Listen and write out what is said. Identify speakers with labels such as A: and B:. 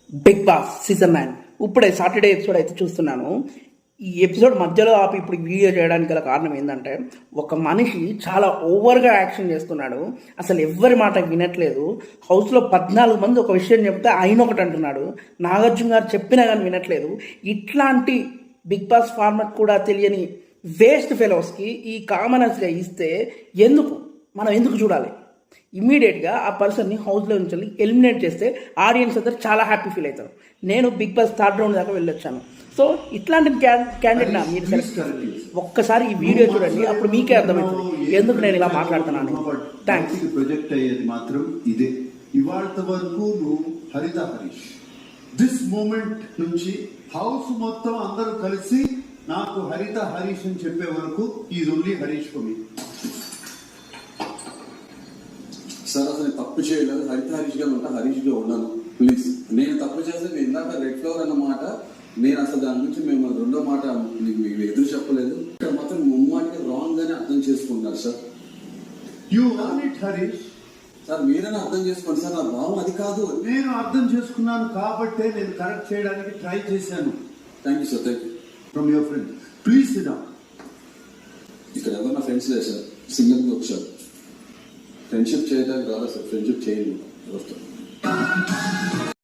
A: Big boss season 9 ఇప్పుడే Saturday episode అయితే చూస్తున్నాను. ఈ ఎపిసోడ్ మధ్యలో ఆపి ఇప్పుడు వీడియో చేయడానికి గల కారణం ఏంటంటే, ఒక మనిషి చాలా ఓవర్గా యాక్షన్ చేస్తున్నాడు. అసలు ఎవ్వరి మాట వినట్లేదు. హౌస్లో 14 మంది ఒక విషయం చెప్తే ఆయన ఒకటి అంటున్నాడు. నాగార్జున గారు చెప్పినా కానీ వినట్లేదు. ఇట్లాంటి బిగ్ బాస్ ఫార్మాట్ కూడా తెలియని వేస్ట్ ఫెలోస్కి ఈ కామనర్స్గా ఇస్తే మనం ఎందుకు చూడాలి? ఇమ్మీడియట్గా ఆ పర్సన్ని హౌస్లో నుంచి ఎలిమినేట్ చేస్తే ఆడియన్స్ అందరు చాలా హ్యాపీ ఫీల్ అవుతారు. నేను బిగ్ బాస్ 3rd రౌండ్ దాకా వెళ్ళొచ్చాను. సో ఇట్లాంటి క్యాండిడేట్ మీరు సెలెక్ట్ ఒక్కసారి ఈ వీడియో చూడండి, అప్పుడు మీకే అర్థమవుతుంది ఎందుకు నేను ఇలా మాట్లాడుతున్నాను. థ్యాంక్స్.
B: ప్రొజెక్ట్ అయ్యేది మాత్రం ఇదే. ఇవాళ వరకు నువ్వు హరిత హరీష్, దిస్ మూమెంట్ నుంచి హౌస్ మొత్తం అందరూ కలిసి నాకు హరిత హరీష్ అని చెప్పే వరకు is only Harish for me.
C: Sir అసలు తప్పు చేయలేదు, హరిత హరీష్ గా ఉంటా, హరీష్ గా ఉన్నాను. ప్లీజ్, నేను తప్పు చేస్తే మీరు ఇందాక రెడ్ ఫ్లవర్ అన్న మాట, నేను అసలు దాని నుంచి మేము రెండో మాట మీకు ఎదురు చెప్పలేదు. ఇక్కడ మాత్రం ముమ్మాటిగా రాంగ్ గానే అర్థం చేసుకుంటున్నారు sir.
B: You are it Harish.
C: Sir మీరైనా అర్థం చేసుకోండి సార్, నా భావం అది కాదు.
B: నేను అర్థం చేసుకున్నాను కాబట్టే నేను కరెక్ట్ చేయడానికి ట్రై చేశాను.
C: Thank you sir. Thank you
B: from your friend. Please sit down.
C: ఇక్కడ ఎవరు నా ఫ్రెండ్స్ లేదు సార్, సింగిల్ గా వచ్చారు. ఫ్రెండ్షిప్ చేయడానికి రాలేదు సార్, ఫ్రెండ్షిప్ చేయండి.